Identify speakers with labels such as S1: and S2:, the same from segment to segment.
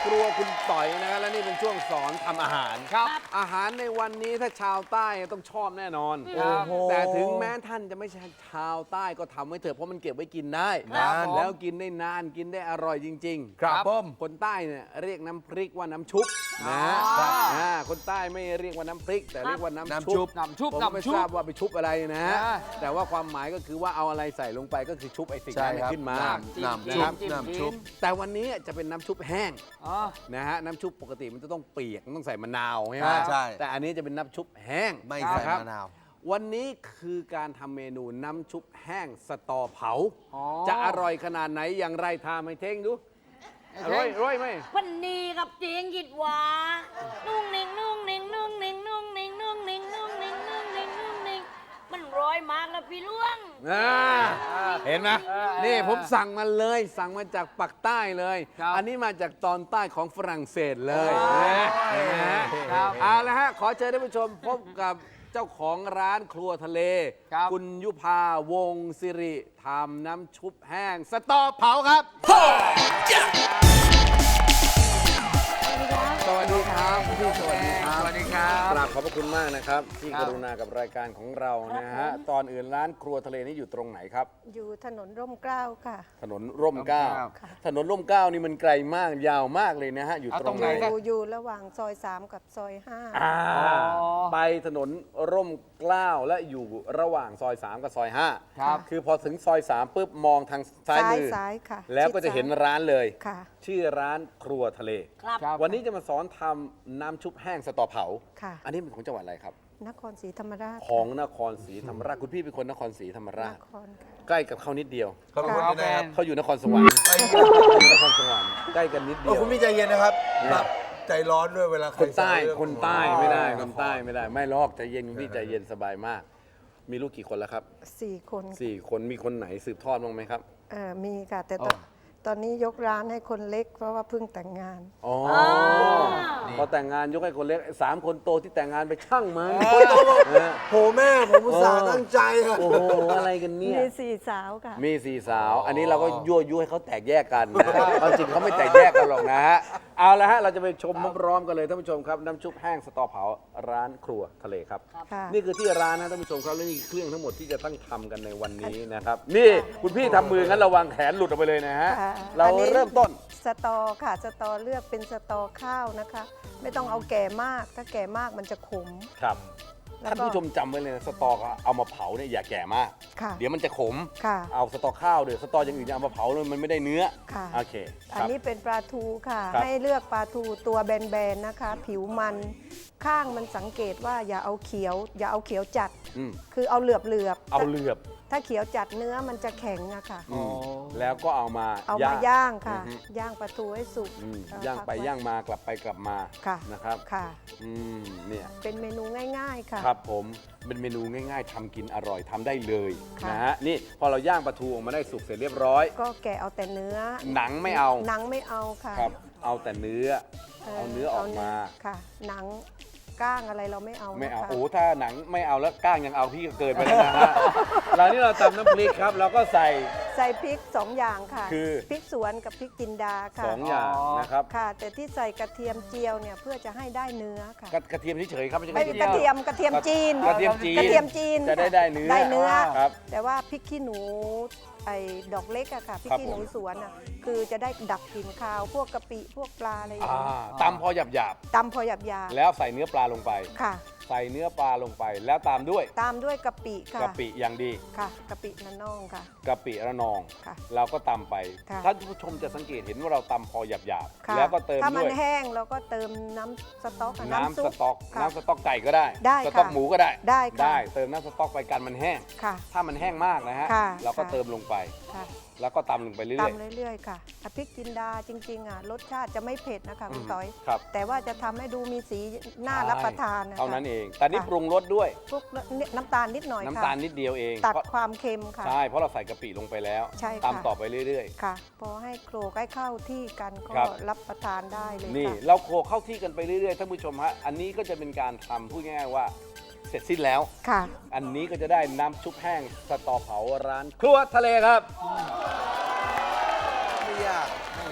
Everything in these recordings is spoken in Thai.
S1: ครัวคุณต่อยนะครับและนี่เป็นช่วงสอนทำอาหาร
S2: ครับ
S1: อาหารในวันนี้ถ้าชาวใต้ต้องชอบแน่นอน
S2: ครับ
S1: แต่ถึงแม้ท่านจะไม่ใช่ชาวใต้ก็ทำไว้เถอะเพราะมันเก็บไว้กินได้
S2: ครับผม
S1: แล้วกินได้นานกินได้อร่อยจริงๆ
S2: ครับผม
S1: คนใต้เนี่ยเรียกน้ำพริกว่าน้ำชุบนะฮะคนใต้ไม่เรียกว่าน้ำพริก แต่เรียกว่าน้ำชุบ
S2: น้ำชุบ
S1: ผมไม่
S2: น้ำชุบ
S1: ทราบว่าไปชุบอะไรนะฮะ
S2: อ่า
S1: แต่ว่าความหมายก็คือว่าเอาอะไรใส่ลงไปก็คือชุบไอ้สิ่งนั้น
S3: ใช่ครับ
S1: ขึ้นมา
S2: จิ้ม
S3: น้ำ
S2: จิ้
S3: ชุ
S2: ม
S3: บ
S2: จิ้ม
S3: น้ำชุบ
S1: แต่วันนี้จะเป็นน้ำชุบแห้ง
S2: อ๋อ
S1: นะฮะน้ำชุบปกติมันจะต้องเปียกมันต้องใส่มะนาวใช่ไหม
S3: ใช่
S1: แต่อันนี้จะเป็นน้ำชุบแห้ง
S3: ไม่ใส่
S1: นะครับ
S3: มะนาว
S1: วันนี้คือการทำเมนูน้ำชุบแห้งสตอเผา
S2: อ๋อ
S1: จะอร่อยขนาดไหนอย่างไรทำให้เท่งดูอร่อยไหม
S4: พันนีกับเจียงหยิดหวานุ่งนิ่งนุ่งนิ่งนุ่งนิ่งนุ่งนิ่งนุ่งนิ่งนุ่งนิ่งนุ่งนิ่งนุ่งนิ่งมันร้อยมากแล้วพี่ล่วง
S1: เห็นไหมนี่ผมสั่งมาเลยสั่งมาจากปักใต้เลย
S2: ครับ
S1: อันนี้มาจากตอนใต้ของฝรั่งเศสเลย
S2: โอ้ย
S1: เห็นไหมฮะ
S2: ครับ
S1: เอาละฮะขอเชิญท่านผู้ชมพบกับเจ้าของร้านครัวทะเล
S2: ครับ
S1: ณยุพาวงศ์สิริทำน้ำชุบแห้งสตอเผาครับ สวัสดีครับพี่สวัสดีครับ
S2: สวัสดีครับ
S1: กราบขอบพระคุณมากนะครับ ที่
S2: ครั
S1: ก
S2: บ
S1: รุณากับรายการของเรานะฮะตอนอื่นร้านครัวทะเลนี่อยู่ตรงไหนครับ
S5: อยู่ถนนร่มเกล้าค่ะ
S1: ถนนร่มเกล้า
S2: ร่มเกล้า
S1: ถนนร่มเกล้านี่มันไกลมากยาวมากเลยนะฮะอยู่
S2: เอา
S1: ต
S2: ต
S1: ร
S2: รง ง
S1: ไห
S2: ไห
S1: น
S2: น
S5: อยู่ระหว่างซอย 3 กับซอย
S1: อ่า
S2: อ๋อ
S1: ไปถนนร่มเกล้าและอยู่ระหว่างซอย 3 กับซอย 5
S2: ครับ
S1: คือพอถึงซอย 3ปุ๊บมองทาง
S5: 5
S1: ซ้ายมือ
S5: ซ้ายค่ะ
S1: แล้วก็จะเห็น
S5: ชิดซ้าย
S1: ร้านเลย
S5: ค่ะ
S1: ชื่อร้านครัวทะเล
S4: ครับ
S2: ครับ
S1: วันนี้จะมาสอนทำน้ำชุบแห้งสตอเผา
S5: ค่ะ
S1: อันนี้เป็นของจังหวัดอะไรครับ
S5: นครศรีธรรมราช
S1: ของนครศรีธรรมราชคุณพี่เป็นคนนครศรีธรรมราน ช
S5: ครค่ะ
S1: ใกล้กับเขานิดเดียว
S3: เขาเป็นคนที่ไหนครับ
S1: เขาอยู่นครสวรรค์อยู่นครสวรรค์ใกล้กันนิดเดียว
S3: คุณพี่ใจเย็นนะครับแบบใจร้อนด้วยเวลาใคร
S1: คนใต้
S3: แซวเรื่อง
S1: คนใต้ไม่ได้คนใต้ไม่ได้ ไม่ลอกใจเย็นคุณพี่ใจเย็นสบายมาก มีลูกกี่คนแล้วครับ
S5: 4 คน
S1: 4 คนมีคนไหนสืบทอดบ้างไหมครับ
S5: มีค่ะ แต่ตอนนี้ยกร้านให้คนเล็กเพราะว่าเพิ่งแต่งงาน
S1: อ๋อพอแต่งงานยกให้คนเล็ก3 คนโตที่แต่งงานไปช่างมันนะ
S3: โหแม่ผมอุตส่าห์ตั้งใจอะ
S1: โอ้โหอะไรกันเนี่ย
S5: มี 4 สาวค่ะ
S1: มี4 สาว อันนี้เราก็ยั่วยุให้เขาแตกแยกกันนะความจริงเขาไม่แตกแยกกันหรอกนะฮะ เอาละฮะ เราจะไปชมพร้อมๆกันเลยท่านผู้ชมครับ น้ำชุบแห้งสตอเผาร้านครัวทะเลครับ
S5: ค่ะ
S1: นี่คือที่ร้านนะท่านผู้ชมครับและนี่คือเครื่องทั้งหมดที่จะต้องทำกันในวันนี้นะครับ นี่คุณพี่ทำมืองั้นระวังแขนหลุดออกไปเลยนะฮะ
S5: ค่ะ
S1: เรา
S5: อันนี้
S1: เริ่มต้น
S5: สตอค่ะ สตอเลือกเป็นสตอข้าวนะคะ ไม่ต้องเอาแก่มาก ถ้าแก่มากมันจะขม
S1: ครับ
S5: แล้ว
S1: ท่าน
S5: ก็
S1: ผู้ชมจำไว้เลยนะสตอเอามาเผาเนี่ยอย่าแก่มาก
S5: ค่ะ
S1: เดี๋ยวมันจะขม
S5: ค่ะ
S1: เอาสตอข้าวเดี๋ยวสตออย่างอื่นจะเอามาเผาเลยมันไม่ได้เนื้อ
S5: ค่ะ
S1: โอเคค
S5: อัน
S1: รับ
S5: นี้เป็นปลาทูค่ะ
S1: ครับ
S5: ให้เลือกปลาทูตัวแบนๆนะคะ ผิวมันข้างมันสังเกตว่าอย่าเอาเขียว อย่าเอาเขียวจัด
S1: อืม
S5: คือเอาเหลือบ
S1: เอาเหลือบ
S5: ถ้าเขียวจัดเนื้อมันจะแข็งอะค่ะ
S1: อืมแล้วก็เอามา
S5: เอามาย่างค่ะ
S1: อือฮึ
S5: ย่างปลาทูให้สุก
S1: อืม
S5: เ
S1: ย่างไป
S5: พักว้
S1: ย่างมากลับไปกลับมา
S5: ค่ะ
S1: นะครับ
S5: ค่ะ
S1: อืมเนี่ย
S5: เป็นเมนูง่ายๆค่ะ
S1: ครับผมเป็นเมนูง่ายๆทำกินอร่อยทำได้เลย
S5: ค่ะ
S1: นะฮะนี่พอเราย่างปลาทูออกมาได้สุกเสร็จเรียบร้อย
S5: ก็แกะเอาแต่เนื้อ
S1: หนังไม่เอา
S5: หนังไม่เอาค่ะ
S1: ครับ เอาแต่เนื้อ เอาเนื้อออกมา
S5: ค่ะ หนังก้างอะไรเราไม่เอา
S1: ไม่เอา
S5: นะคะ
S1: โอ้ถ้าหนังไม่เอาแล้วก้างยังเอาพี่ก็เกินไปแล้วนะฮะ เรานี่เราตำน้ำพริกครับเราก็ใส่
S5: ใส่พริก2อย่างค่ะ
S1: คือ
S5: พริกสวนกับพริกจินดาค่ะ
S1: 2 อย่างนะครับ
S5: ค่ะ แต่ที่ใส่กระเทียมเจียวเนี่ยเพื่อจะให้ได้เนื้อค่ะ
S1: กระเทียมเฉยๆครับไม่ใช่
S5: ไม่
S1: กระเทียม
S5: กระเทียมจีน
S1: กระเทียมจีน
S5: กระเทียมจีน
S1: จะได้
S5: ค่
S1: ได้เนื้อ
S5: ได้เนื้อ
S1: ครับ
S5: แต่ว่าพริกขี้หนูไอ้ดอกเล็กอะค่ะพริก
S1: ครับ
S5: ขี้หนู
S1: ผม
S5: สวนอะคือจะได้ดับกลิ่นคาว พวกกะปิพวกปลาอะไรอย่าง
S1: อ่า
S5: เงี้ย
S1: ตำพอหยาบ
S5: ตำพอหยาบ
S1: ๆแล้วใส่เนื้อปลาลงไป
S5: ๆค่ะ
S1: ใส่เนื้อปลาลงไป แล้วตามด้วย
S5: ตามด้วยกะปิค่ะ
S1: กะปิอย่างดี
S5: ค่ะกะปินันน่องค่ะ
S1: กะปิระนอง
S5: ค่ะ
S1: เราก็ตำไป
S5: ค่ะ
S1: ท่านผู้ชมจะสังเกตเห็นว่าเราตำพอหยาบ
S5: ค่ะ
S1: ๆแล้วก็เติม
S5: ถ้ามั
S1: ด้
S5: น
S1: วย
S5: แห้งเราก็เติมน้ำสต๊อกกับ
S1: น้ำ
S5: ซุ
S1: ส
S5: ป
S1: ต๊อก
S5: ค่ะ
S1: น้ำสต๊อกไก่ก็ได้
S5: ได้
S1: สต๊อก
S5: ค่ะ
S1: หมูก็ได้
S5: ได้ค่ะ
S1: ได้เติมน้ำสต๊อกไปกันมันแห้ง
S5: ค่ะ
S1: ถ้ามันแห้งมากนะฮะ
S5: ค่ะ
S1: เราก็
S5: ค่ะ
S1: เติมลงไป
S5: ค่ะ
S1: แล้วก็ตำลงไปเรื่อย
S5: ตำเรื่อยๆค่ะอ่ะพริกจินดาจริงๆอ่ะรสชาติจะไม่เผ็ดนะคะคุณต้อย
S1: ๆครับ
S5: แต่ว่าจะทำให้ดูมีสีน่ารับประทานนะคะ
S1: เท่านั้นเอง แต่นี่
S5: ค่ะ
S1: ปรุงรสด้วย
S5: พวกน้ำตาลนิดหน่อยค่ะ
S1: น้ำตาลนิดเดียวเอง
S5: ตัด
S1: เพราะ
S5: ความเค็มค่ะ
S1: ใช่เพราะเราใส่กะปิลงไปแล้ว
S5: ใช่ค่ะ
S1: ตำต่อไปเรื่อย
S5: ค่ะ พอให้โครกให้เข้าที่กันก็
S1: ครับ
S5: รับประทานได้เลย
S1: ๆ นี่
S5: ค่ะ
S1: เราโขลกเข้าที่กันไปเรื่อยๆท่านผู้ชมฮะอันนี้ก็จะเป็นการทำพูดง่ายๆว่าเสร็จสิ้นแล้ว
S5: ค่ะ
S1: อันนี้ก็จะได้น้ำชุบแห้งสตอเผาร้านครัวทะเลครับ
S3: ไม่ยาก
S1: น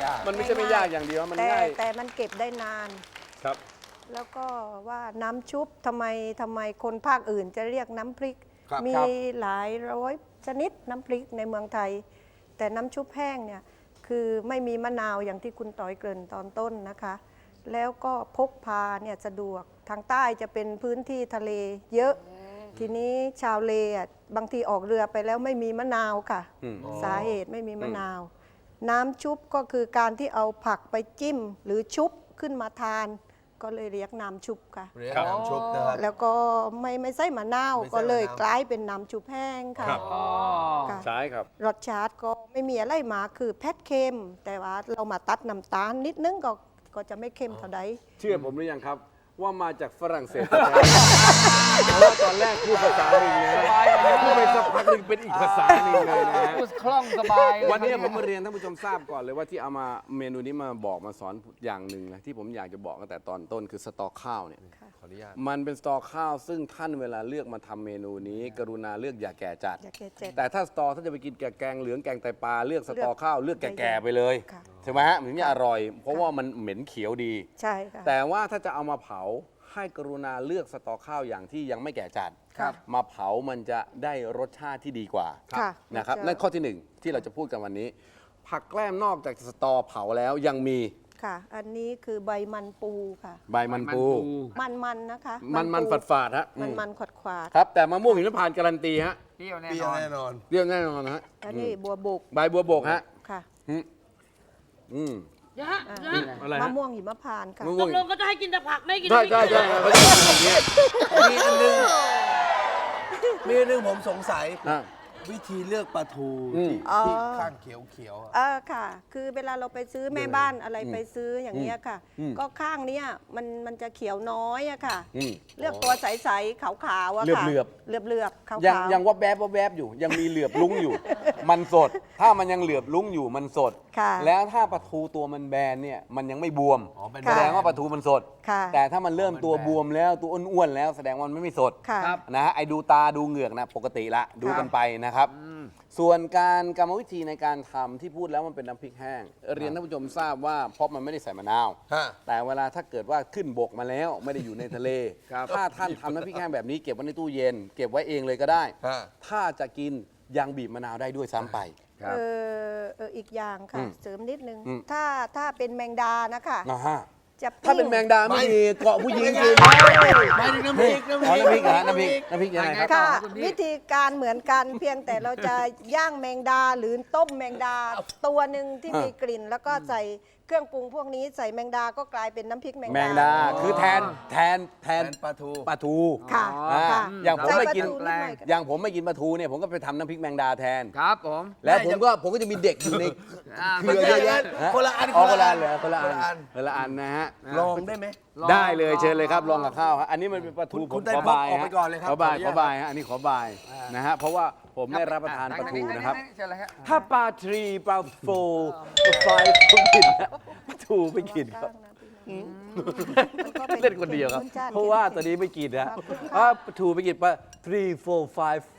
S2: ยาก
S1: มันไม่ใช่ไม่ยากอย่างเดียวมันง่าย
S5: แต่มันเก็บได้นาน
S1: ครับ
S5: แล้วก็ว่าน้ำชุบทำไมคนภาคอื่นจะเรียกน้ำพริก
S3: ครับ
S5: มี
S2: ครับ
S5: หลายร้อยชนิดน้ำพริกในเมืองไทย แต่น้ำชุบแห้งเนี่ยคือไม่มีมะนาวอย่างที่คุณต่อยเกริ่นตอนต้นนะคะ แล้วก็พกพาเนี่ยสะดวกทางใต้จะเป็นพื้นที่ทะเลเยอะ ทีนี้ชาวเลอ่ะบางทีออกเรือไปแล้วไม่มีมะนาวค่ะ
S1: อืม
S5: สาเหตุไม่มีมะนาว น้ำชุบก็คือการที่เอาผักไปจิ้ม หรือชุบขึ้นมาทาน ก็เลยเรียกน้ำชุบค่ะ
S3: เรียกน้ำชุบนะครับ
S5: แล้วก็ไม่ใส่มะนาว
S3: ไม่ใส่มะนาว
S5: ก็เลยกลายเป็นน้ำชุบแห้งค่ะ
S1: ครับ
S2: อ๋อ
S5: ค่ะ
S1: ใช่ครับ
S5: รสชาติก็ไม่มีอะไรมาคือแพทเค็ม แต่ว่าเรามาตัดน้ำตาลนิดนึงก็จะไม่เค็มเท่าใด
S1: เชื่อผมหรือยังครับ ว่ามาจากฝรั่งเศสแท้ๆเพราะว่าตอนแรกพูดภาษาหนึ่งนะ
S2: สบายเลย
S1: พูดไปสักพักหนึ่งเป็นอีกภาษาหนึ่งเลยนะฮะ
S2: พูดคล่องสบายเลย
S1: วันนี้ผมมาเรียนท่านผู้ชมทราบก่อนเลยว่าที่เอามาเมนูนี้มาบอกมาสอนอย่างหนึ่งนะที่ผมอยากจะบอกตั้งแต่ตอนต้นคือสตอข้าวเนี่ย
S3: ขออนุญาต
S1: มันเป็นสตอข้าวซึ่งท่านเวลาเลือกมาทำเมนูนี้ กรุณาเลือกอย่าแก่จัด
S5: อย่าแก่จัด
S1: แต่ถ้าสตอถ้าจะไปกินแกงเหลืองแกงไตปลาเลือกสตอข้าวเลือกแก่ๆไปเลย
S5: ค่ะ
S1: ใช่ไหมฮะมันถึงจะอร่อย เพราะว่ามันเหม็นเขียวดี
S5: ใช่ค่ะ
S1: แต่ว่าถ้าจะเอามาเผาให้กรุณาเลือกสตอข้าวอย่างที่ยังไม่แก่จัด
S5: ครับ
S1: มาเผามันจะได้รสชาติที่ดีกว่า
S5: ค่ะ
S1: นะครับ
S5: มันจะ
S1: นั่นข้อที่หนึ่งที่เราจะพูดกันวันนี้ ผักแกล้มนอกจากสตอเผาแล้วยังมี
S5: ค่ะ อันนี้คือใบมันปูค่ะ
S1: ใบมันปู
S5: มันนะคะ
S1: มัน
S5: ปู
S1: ฝาดๆฮะ
S5: มันขวดขวาด
S1: ครับ แต่มะม่วงหิมพานต์การันตีฮะ
S2: เปรี้ยวแน่
S3: เปรี้
S2: น
S3: ยว
S2: อน
S3: แน่นอน
S1: เรียกแน่นอนนะฮะ
S5: อันนี้บัวบก
S1: ใบบัวบกฮะ
S5: ค่ะ
S1: อืมอืม
S4: เดี๋ยวฮะเดี๋ยวฮะ
S1: อะไรฮะ
S5: มะม่วงหิมพานต์ค่ะ
S1: มะ
S4: ต
S1: ม่วง
S4: กลงก็จะให้กินแต่ผักไม่ให้กิน
S1: ใช่
S4: น้ำพริก
S1: ใช่ใช่เขาจะกินอย่างเงี้ย
S3: มีอันหนึงมีอันหนึงผมสงสัย
S1: อ่ะ
S3: วิธีเลือกปลาทู
S1: อืม
S3: ที่ข้างเขียวๆอะ
S5: ค่ะ คือเวลาเราไปซื้อแม่บ้านอะไรไปซื้ออย่างเงี้ยค่ะ
S1: อืม
S5: ก็ข้างเนี้ยมันจะเขียวน้อยอะค่ะ
S1: อืม
S5: เลือกตัวใสๆขาวๆอะค่ะ
S1: เหลือบ
S5: เหลือบๆขาว
S1: ยัง
S5: ๆ
S1: วับแวบอยู่ ยังมีเหลือบลุ้งอยู่ มันสด ถ้ามันยังเหลือบลุ้งอยู่มันสด
S5: ค่ะ
S1: แล้วถ้าปลาทูตัวมันแบนเนี่ยมันยังไม่บวม
S3: อ๋อเป็น
S1: แสดงว่าปลาทูมันสด
S5: ค่ะ
S1: แต่ถ้ามันเริ่มตัวบวมแล้วตัวอ้วนๆแล้วแสดงว่ามันไม่สด
S5: ค่ะ
S1: นะฮะไอ้ดูตาดูเหงือกนะปกติละดูกันไปนะครับ ส่วนการกรรมวิธีในการทำที่พูดแล้วมันเป็นน้ำพริกแห้ง เรียนท่านผู้ชมทราบว่าเพราะมันไม่ได้ใส่มะนาว
S3: ฮะ
S1: แต่เวลาถ้าเกิดว่าขึ้นบกมาแล้วไม่ได้อยู่ในทะเล
S2: ครับ
S1: ถ้าท่านทำน้ำพริกแห้งแบบนี้เก็บไว้ในตู้เย็น เก็บไว้เองเลยก็ได้
S3: ฮะ
S1: ถ้าจะกินยังบีบมะนาวได้ด้วยซ้ำไป
S5: อีกอย่าง
S1: อื
S5: ค่ะ
S1: ม
S5: เสริมนิดนึง
S1: อืม
S5: ถ้าเป็นแมงดานะคะ
S1: นะฮะ
S5: จะ
S1: ถ้าเป็นแมงดาไม่ดีเกาะผู้หญิงกิน
S3: ไม่ถึงน้ำพริก
S1: อ๋อน้ำพริกเหรอฮะน้ำพริกยังไงครับ
S5: ค่ะ
S2: คุณพี่
S5: วิธีการเหมือนกันเพียงแต่เราจะย่างแมงดาหรือต้มแมงดาตัวหนึ่งที่มีกลิ่น แล้วก็ใส่เครื่องปรุงพวกนี้ใส่แมงดาก็กลายเป็นน้ำพริกแมง
S1: แมงดาคือแทน
S3: แทนปลาทู
S1: ปลาทู
S5: ค่ะ
S1: อ่า
S5: ค่ะ
S1: อย่างผมไม่กิน
S5: ใส่ปลาทูดหอยก็
S1: อย่างผมไม่กินปลาทูเนี่ยผมก็ไปทำน้ำพริกแมงดาแทน
S2: ครับผม
S1: แล้วผมก็จะมีเด็กอยู่ใน เครือเยอะแยะฮ
S3: คนละอัน
S1: อ๋อคนละอันเหรอ
S3: ค
S1: คน น
S3: ละ
S1: ละ
S3: อั
S1: อั
S3: น
S1: นคนละอันนะฮะ
S3: ลองได้ไหม
S1: ได้เลยเชิญเลยครับลองกับข้าวครับอันนี้มันเป็นปลาทู
S3: คุณ
S1: ผม
S3: ไต้
S1: ขอ
S3: พก
S1: บาย
S3: ออกไป
S1: ฮะ
S3: ก่อนเลยครับ
S1: ขอบาย
S3: ขออนุญาต
S1: ขอบายฮะอันนี้ขอบายนะฮะเพราะว่าผมได้รับประทานปลาทูนะครับ
S2: เชิญเลยครับ
S1: ถ้าปลาทรีปลาโฟปลาไฟผมกินนะปลาทูไม่กินครับ เล่นคนเดียวครับ เพราะว่าตอนนี้ไม่กินนะปลาทูไม่กินปลา3 4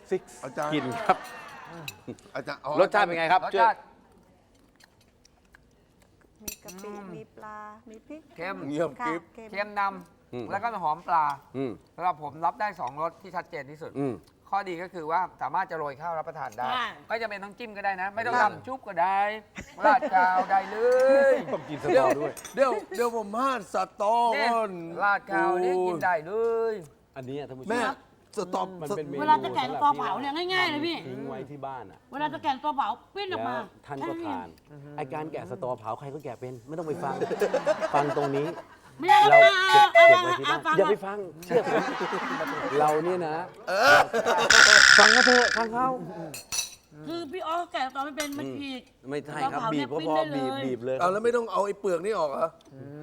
S1: 5
S3: อาจารย์
S1: 6กินครับ
S3: อาจารย์อ๋อ
S1: รสชาติเป็นไงครับ
S2: รส
S1: ช่วย
S2: ชาติ
S5: มีกะปิมีปลา มีพริก
S2: เค็ม
S3: เงียบ
S5: ค่ะ
S3: กริบ
S2: เค็มน
S1: อืม
S2: ำแล้วก็หอมปลา
S1: อืม
S2: สำหรับผมรับได้ 2รสที่ชัดเจนที่สุด
S1: อืม
S2: ข้อดีก็คือว่าสามารถจะโรยข้าวรับประทานได้
S4: ใช่
S2: ก็จะเป็นต้องจิ้มก็ได้นะ ไม่ต้องทำชุบก็ได้ราดกาวได้เลย
S1: ต้องกินสตอด้วย
S3: เดี๋ยวผมพลาดสตอ
S2: เนี่ย
S3: ก่อน
S2: ราดกาวนี่กินได้เลย
S1: อันนี้ท่านผู้ชม
S3: แม่สตอ
S1: มันเป็นเมนู
S4: เวลาจะแกะสตอเผาเนี่ยง่ายๆเลยพี่
S1: ทิ้งไว้ที่บ้านอ่ะ
S4: เวลาจะแกะตัวเผาปิ้นออก
S1: แล้ว
S4: มา
S1: ท่านก็ทานไอการแกะสตอเผาใครก็แกะเป็นไม่ต้องไปฟัง ฟังตรงนี้
S4: ไม่ได้
S1: เรา
S4: เอา
S1: เก็บ
S4: เอา
S1: ไว้ที่บ้าน
S4: ฟัง
S1: อย่าไปฟังเชื่อผมเราเนี่ยนะฟังเขาเถอะฟังเขา
S4: คือพี่อ๋อแกะตอนไม่เป็นมันผิด
S1: ไม่ใช่ครับ
S4: เราเผา
S1: บีบ
S4: เนี่ยปิ้
S1: พ
S4: ง
S1: อ
S4: ได้
S1: ๆ
S4: เลย
S1: บีบเลย
S3: เอาแล้วไม่ต้องเอาไอ้เปลือกนี่ออกเหรอ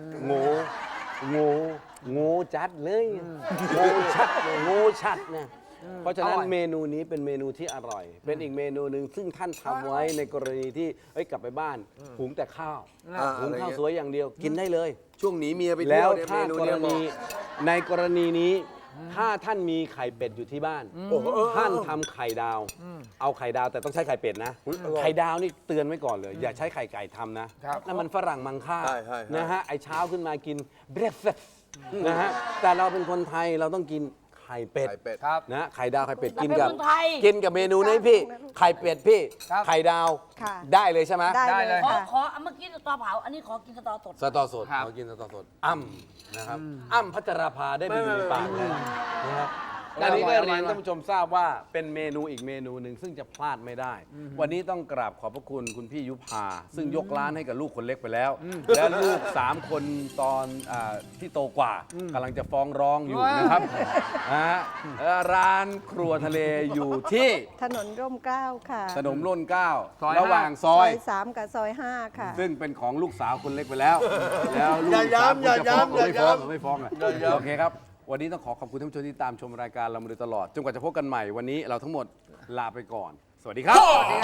S1: โง่จัดเลยโง่ชัดโง่ชัดนะเพราะฉะนั้น
S2: อร่อย
S1: เมนูนี้เป็นเมนูที่อร่อย เป็นอีกเมนูหนึ่งซึ่งท่านทำไว้ในกรณีที่เอ้ยกลับไปบ้านหุงแต่ข้าว
S3: อ่า
S1: หุงข้าว
S3: อะไรเงี้ย
S1: สวยอย่างเดียวกินได้เลย
S3: ช่วงหนีเมียไป
S1: แล้
S3: เที่ยว
S1: ว
S3: เนี่ย
S1: ถ้า
S3: เมนู
S1: กร
S3: เนี่ยเห
S1: ณี
S3: มาะ
S1: ในกรณีนี้ถ้าท่านมีไข่เป็ดอยู่ที่บ้าน
S3: โอ้โห
S1: ท่านทำไข่ดาว เอาไข่ดาวแต่ต้องใช้ไข่เป็ดนะ ไข่ดาวนี่เตือนไว้ก่อนเลย อย่าใช้ไข่ไก่ทำนะครับ นั่นมันฝรั่งมังค่า
S3: ใช่ใช่
S1: นะฮะไอเช้าขึ้นมากินเบรคฟาสต์นะฮะแต่เราเป็นคนไทยเราต้องกินไข่เป็ด
S3: ไข่เป็ด
S2: ครับ
S1: นะไข่ดาวไข่เป็ด
S4: เรา
S1: กิน
S4: เป็น
S1: กับ
S4: คนไทย
S1: กินกับเมนูนี้พี่ ไข่เป็ดพี่
S2: ครับ
S1: ไข่ดาว
S5: ค่ะ
S1: ได้เลยใช่ไหม
S5: ได้
S2: ได้
S5: เล
S2: เลย
S5: ยค่ะ
S4: ขอเมื่อกี้สตอเผา อันนี้ขอกินสตอสด
S1: สตอสด
S2: ครับ
S1: เขากินสตอสดอ้ำนะครับอ้ำพัชราภาได้ไปอยู่ในปากเลยนะครับอันนี้ก็เรียนท่านผู้ชมทราบว่าเป็นเมนูอีกเมนูหนึ่งซึ่งจะพลาดไม่ได้ วันนี้ต้องกราบขอบพระคุณคุณพี่ยุพาซึ่งยกร้านให้กับลูกคนเล็กไปแล้ว แล้วลูก 3 คนตอนที่โตกว่ากำลังจะฟ้องร้องอยู่นะครับนะฮะร้านครัวทะเลอยู่ที่
S5: ถนนร่มเกล้าค่ะ
S1: ถนนร่นเกล้า
S2: ซอย
S1: ระหว่างซอย
S5: 3 กับซอย 5 ค่ะ
S1: ซึ่งเป็นของลูกสาวคนเล็กไปแล้ว แล้วลูก
S3: อย่า
S1: สาว
S3: ย้ำ
S1: คุณจะฟ้องหรือ
S3: อย่า
S1: ไม่ฟ้อง
S3: ย้ำ
S1: หรือไม่ฟ้องอ่ะ
S3: อย่าย้ำ
S1: โอเคครับ วันนี้ต้องขอขอบคุณท่านผู้ชมที่ตามชมรายการเรามาโดยตลอด จนกว่าจะพบกันใหม่วันนี้เราทั้งหมดลาไปก่อน สวัสดีครับ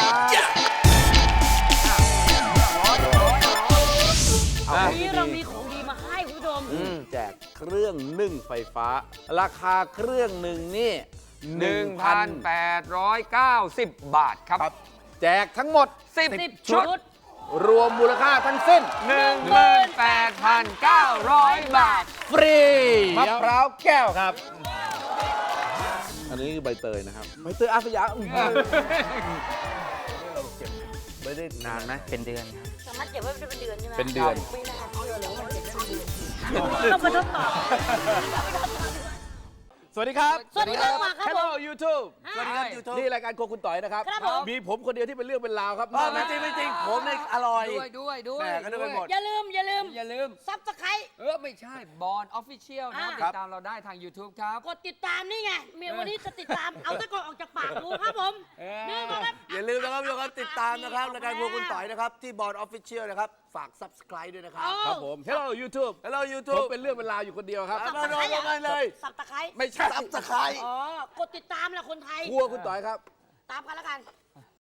S4: วันนี้เรามีของดีมาให้คุณผู้ชม
S1: แจกเครื่องนึ่งไฟฟ้า ราคาเครื่องหนึ่งนี่
S2: 1,890 บาทครับ
S1: แจกทั้งหมด
S2: 10 ชุด
S1: รวมมูลค่าทั้งสิ้น
S2: 18,900 บาท
S1: ฟรีมะพร้าวแก้วครับ อันนี้คือใบเตยนะครับ ใบเตยอาสยามไม่ได้นานไหม
S2: เป็นเดือนครับ
S4: สามารถเก็บไว้เป็นเดือนใช่ไหม
S1: เป็นเดือน
S4: ปีนะครับเอาเร็วๆมันเก็บเป็นเดือนต้องมาทดสอบ
S1: สวัสดีครับ
S4: สวัสดีครับมาครับผม
S1: Hello YouTube
S4: สวัสดีครับ
S3: YouTube
S1: นี่รายการโครัวคุณต่อยนะครับ
S4: ครับผม
S1: มีผมคนเดียวที่เป็นเรื่องเป็นราวครับ
S3: ไม่จริงไม่จริงผมเนี่ยอร่อย
S2: ด้วย
S3: แหม่ก็นึกไปหมด
S4: อย่าลืม
S2: อย่าลืม
S4: ซับสไครต์
S2: ไม่ใช่บอลออฟฟิเชียลนะ
S4: อ่า
S2: ติดตามเราได้ทาง YouTube ครับ
S4: กดติดตามนี่ไงเมียวันนี้จะติดตาม เอาตะกอนออกจากปากดูครับผมนี่นะครับ
S3: อย่าลืมนะครับทุกคนติดตามนะครับรายการพวกคุณต่อยนะครับ ที่บอร์ดออฟฟิเชียลนะครับ ฝาก subscribe ด้วยนะครับ
S1: ครับผม Hello YouTube
S3: Hello
S1: ผม
S3: YouTube
S1: เป็นเรื่องเป็นราวอยู่คนเดียวครับ
S3: มาลงกันเลย
S4: สับตะไคร้
S1: ไม่ใช่
S3: subscribe
S4: อ๋อกดติดตามแหละคนไทย
S1: ครัวคุณต่อยครับ
S4: ตามกันแล้วกัน